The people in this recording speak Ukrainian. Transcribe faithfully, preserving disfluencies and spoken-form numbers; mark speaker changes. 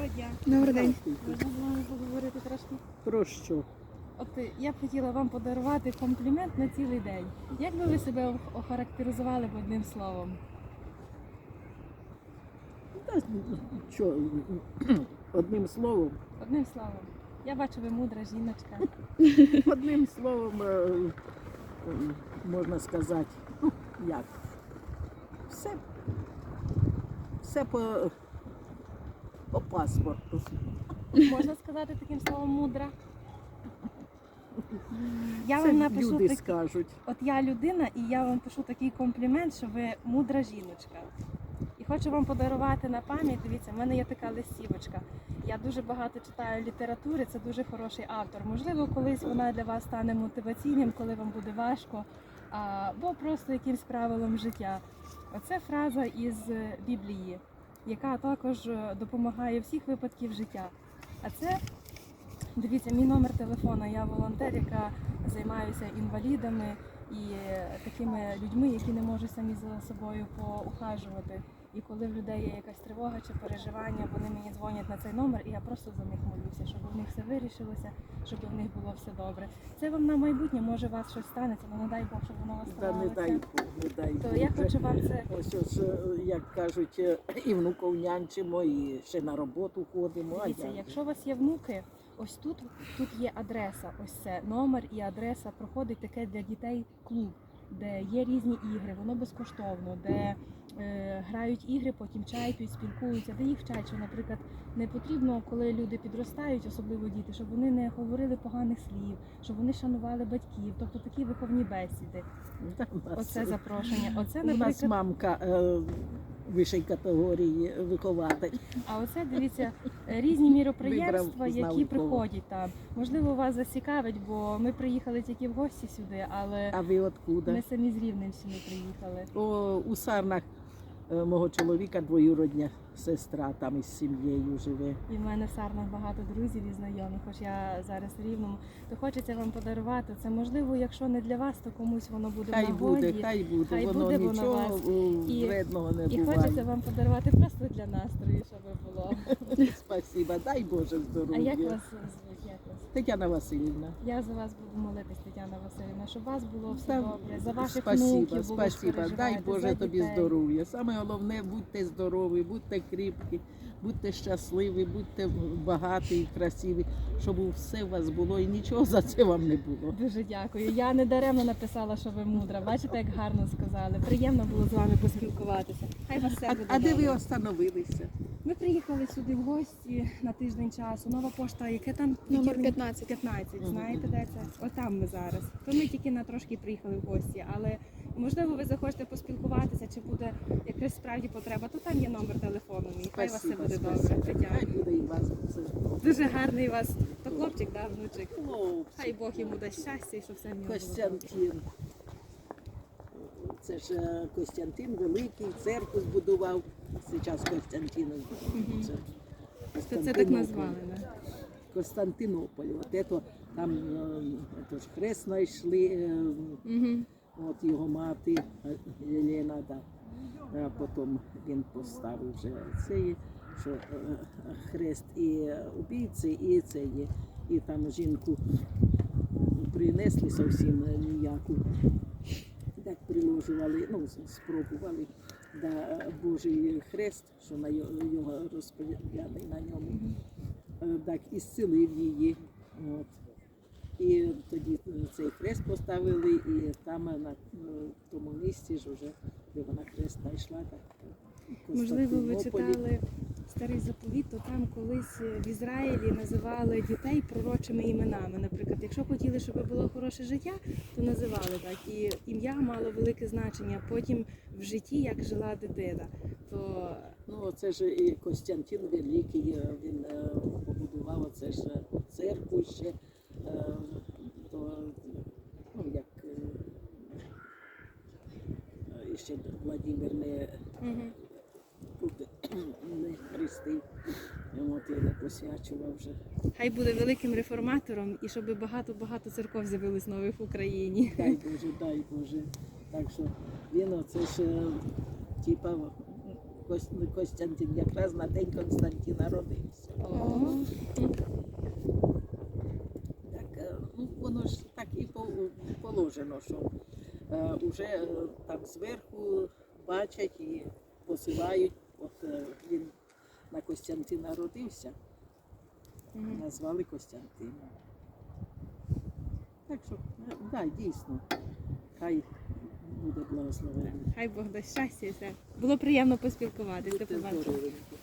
Speaker 1: Доброго дня.
Speaker 2: Добрий день.
Speaker 1: Можна з вами поговорити трошки?
Speaker 3: Про що?
Speaker 1: От е, я б хотіла вам подарувати комплімент на цілий день. Як би ви себе ох- охарактеризували б одним словом?
Speaker 3: Та, що, одним словом,
Speaker 1: Одним словом. Я бачу, ви мудра жіночка.
Speaker 3: одним словом, е, м, можна сказати, ну, як, все, все по, по паспорту.
Speaker 1: Можна сказати таким словом мудра? Я
Speaker 3: Це
Speaker 1: вам напишу
Speaker 3: люди
Speaker 1: так...
Speaker 3: скажуть.
Speaker 1: От я людина, і я вам пишу такий комплімент, що ви мудра жіночка. І хочу вам подарувати на пам'ять. Дивіться, в мене є така листівочка. Я дуже багато читаю літератури, це дуже хороший автор. Можливо, колись вона для вас стане мотиваційним, коли вам буде важко, або просто якимсь правилом життя. Оце фраза із Біблії, яка також допомагає у всіх випадків життя. А це, дивіться, мій номер телефона. Я волонтер, яка займаюся інвалідами і такими людьми, які не можуть самі за собою поухажувати. І коли в людей є якась тривога чи переживання, вони мені дзвонять на цей номер, і я просто за них молюся, щоб у них все вирішилося, щоб у них було все добре. Це вам на майбутнє, може у вас щось станеться, але не дай Бог, щоб воно у вас
Speaker 3: Та не
Speaker 1: ставалося.
Speaker 3: дай Бог, не дай
Speaker 1: То
Speaker 3: Бог.
Speaker 1: я хочу вам це.
Speaker 3: Ось, ось, е, як кажуть, е, і внуков нянчимо, і ще на роботу ходимо. а
Speaker 1: Дивіться,
Speaker 3: як же?
Speaker 1: якщо у вас є внуки, ось тут, тут є адреса, ось це номер і адреса, проходить таке для дітей клуб, де є різні ігри, воно безкоштовно, де е, грають ігри, потім чайпють, спілкуються, де їх вчать, що, наприклад, не потрібно, коли люди підростають, особливо діти, щоб вони не говорили поганих слів, щоб вони шанували батьків, тобто такі виховні бесіди.
Speaker 3: Та в нас,
Speaker 1: Оце запрошення. Оце,
Speaker 3: у нас
Speaker 1: наприклад,
Speaker 3: мамка е, вищої категорії вихователь.
Speaker 1: а оце, дивіться, різні міроприємства,
Speaker 3: Вибрав, знав,
Speaker 1: які
Speaker 3: у кого.
Speaker 1: приходять там. Можливо, вас зацікавить, бо ми приїхали тільки в гості сюди, але
Speaker 3: А ви откуда?
Speaker 1: ми самі з Рівненщини приїхали.
Speaker 3: О, у Сарнах е, мого чоловіка двоюродня сестра там із сім'єю живе.
Speaker 1: І в мене в Сарнах багато друзів і знайомих, хоч я зараз в Рівному. То хочеться вам подарувати. Це можливо, якщо не для вас, то комусь воно буде в
Speaker 3: Хай
Speaker 1: нагоді.
Speaker 3: буде, хай буде,
Speaker 1: Хай
Speaker 3: воно
Speaker 1: буде воно
Speaker 3: нічого
Speaker 1: вас.
Speaker 3: о,
Speaker 1: І-
Speaker 3: вредного не
Speaker 1: І
Speaker 3: буває.
Speaker 1: хочеться вам подарувати просто для настрою, щоб було.
Speaker 3: Спасибо, дай Боже
Speaker 1: А
Speaker 3: здоров'я.
Speaker 1: як вас звуть? Як вас?
Speaker 3: Тетяна Васильівна.
Speaker 1: Я за вас буду молитись, Тетяна Васильівна, щоб у вас було все
Speaker 3: Та,
Speaker 1: добре, за ваших
Speaker 3: спасибо,
Speaker 1: внуків було
Speaker 3: спасибо. Дай
Speaker 1: переживати,
Speaker 3: Боже
Speaker 1: за
Speaker 3: тобі
Speaker 1: дітей.
Speaker 3: здоров'я. Саме головне, будьте здорові, будьте кріпкі, будьте щасливі, будьте багаті і красиві, щоб все у вас було і нічого за це вам не було.
Speaker 1: Дуже дякую. Я не даремно написала, що ви мудра. Бачите, як гарно сказали. Приємно було з вами поспілкуватися. Хай вас все
Speaker 3: А,
Speaker 1: буде
Speaker 3: а де ви
Speaker 1: добре.
Speaker 3: остановилися?
Speaker 1: Ми приїхали сюди в гості на тиждень часу. Нова пошта, яке там
Speaker 2: Номер
Speaker 1: Тільки-
Speaker 2: п'ятнадцять.
Speaker 1: п'ятнадцять.
Speaker 3: Мгм.
Speaker 1: Знаєте, де це? Отам ми зараз. То ми тільки на трошки приїхали в гості, але можливо ви захочете поспілкуватися, чи буде якась справді потреба, то там є номер телефону мій. Хай у вас все
Speaker 3: Спасибо,
Speaker 1: буде добре.
Speaker 3: спасибо.
Speaker 1: Тетяна.
Speaker 3: Хай буде і вас все.
Speaker 1: Дуже гарний у вас. То хлопчик, да, внучик.
Speaker 3: Хлопці.
Speaker 1: Хай Бог йому дасть щастя і щоб все в нього було добре.
Speaker 3: Костянтин. Це ж е, Костянтин Великий, церкву збудував. Зараз Костянтин.
Speaker 1: Мгм.
Speaker 3: Це
Speaker 1: То це так
Speaker 3: Константинополь.
Speaker 1: назвали, да?
Speaker 3: Константинополь. От ето, там е, ето ж хрест знайшли, е,
Speaker 1: Угу.
Speaker 3: от його мати е, Єлена, да. А потім він поставив вже цей, що е, хрест і убійці, і це є. І там жінку принесли зовсім ніяку. Так приложували, ну, спробували, да, Божий хрест, що на його його розповідали на ньому, Е, так і зцілив її. От. І тоді цей хрест поставили, і там на е, тому місці ж вже, де вона хрест знайшла, так.
Speaker 1: Можливо, ви
Speaker 3: Константинополі.
Speaker 1: читали старий заповіт, то там колись в Ізраїлі називали дітей пророчими іменами. Наприклад, якщо хотіли, щоб було хороше життя, то називали так. І ім'я мало велике значення потім в житті, як жила дитина. То
Speaker 3: Ну, це ж і Костянтин Великий, е, він е, побудував оце ж церкву ще, е, то, ну, як е, ще Владимир не,
Speaker 1: угу.
Speaker 3: не хрестив, от, і не посвячував вже.
Speaker 1: Хай буде великим реформатором і щоб багато-багато церков з'явилось нових в Україні.
Speaker 3: Дай Боже, дай Боже. Так що він оце ж, е, типа, Кос- Костянтин, якраз на день Константина родився.
Speaker 1: О.
Speaker 3: Так, е, ну, воно ж так і по- положено, що е, вже е, там зверху бачать і посилають. От е, він на Костянтина родився,
Speaker 1: Мгм.
Speaker 3: назвали Костянтином. Так що, е, да, дійсно, хай буде благословений.
Speaker 1: Хай Бог дасть щастя і все. Було приємно поспілкуватися. До
Speaker 3: Будьте
Speaker 1: побачення.
Speaker 3: здоровенькі.